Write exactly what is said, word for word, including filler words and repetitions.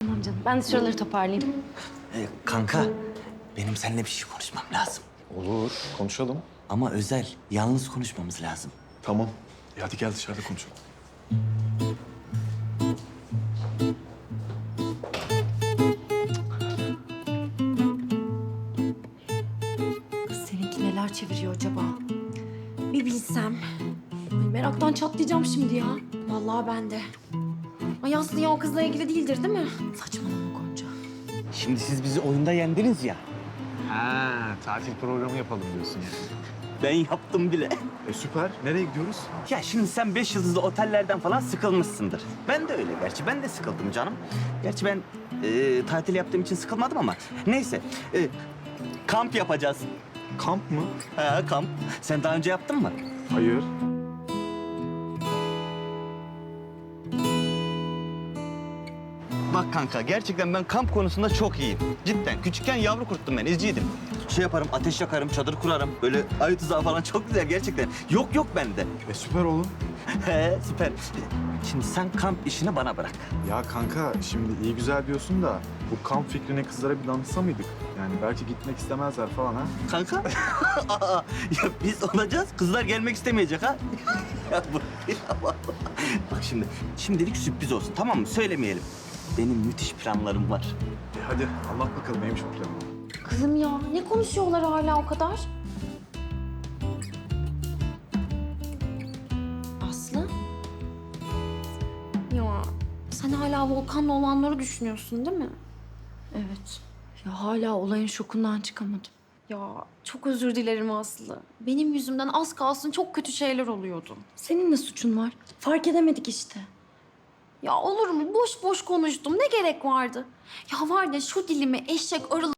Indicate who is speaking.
Speaker 1: Tamam canım, ben de şuraları toparlayayım.
Speaker 2: Ee, kanka, benim seninle bir şey konuşmam lazım.
Speaker 3: Olur, konuşalım.
Speaker 2: Ama özel, yalnız konuşmamız lazım.
Speaker 3: Tamam. E hadi gel dışarıda konuşalım.
Speaker 1: Kız seninki neler çeviriyor acaba? Bir bilsem. Ay, meraktan çatlayacağım şimdi ya. Vallahi ben de. Ay Aslı ya o kızla ilgili değildir değil mi? Saçmalama Gonca.
Speaker 2: Şimdi siz bizi oyunda yendiniz ya.
Speaker 3: Ha, tatil programı yapalım diyorsun yani.
Speaker 2: Ben yaptım bile.
Speaker 3: E süper. Nereye gidiyoruz?
Speaker 2: Ya şimdi sen beş yıldızlı otellerden falan sıkılmışsındır. Ben de öyle gerçi. Ben de sıkıldım canım. Gerçi ben e, tatil yaptığım için sıkılmadım ama. Neyse. E, kamp yapacağız.
Speaker 3: Kamp mı?
Speaker 2: Ha, kamp. Sen daha önce yaptın mı?
Speaker 3: Hayır.
Speaker 2: Bak kanka gerçekten ben kamp konusunda çok iyiyim. Cidden. Küçükken yavru kurttum ben. İzciydim. Şey yaparım, ateş yakarım, çadır kurarım. Böyle ayı tuzağı falan çok güzel gerçekten. Yok yok bende.
Speaker 3: E süper oğlum.
Speaker 2: He süper. Şimdi sen kamp işini bana bırak.
Speaker 3: Ya kanka şimdi iyi güzel diyorsun da bu kamp fikrine kızlara bir danışsa mıydık? Yani belki gitmek istemezler falan ha.
Speaker 2: Kanka. Aa, ya biz olacağız. Kızlar gelmek istemeyecek ha. ya bu ya vallahi. Bak şimdi şimdilik sürpriz olsun tamam mı? Söylemeyelim. Benim müthiş planlarım var.
Speaker 3: E hadi anlat bakalım neymiş bu plan?
Speaker 1: Kızım ya ne konuşuyorlar hala o kadar? Aslı? Ya sen hala Volkan'la olanları düşünüyorsun değil mi? Evet. Ya hala olayın şokundan çıkamadım. Ya çok özür dilerim Aslı. Benim yüzümden az kalsın çok kötü şeyler oluyordu. Senin ne suçun var? Fark edemedik işte. Ya olur mu? Boş boş konuştum. Ne gerek vardı? Ya var ya şu dilimi eşek arı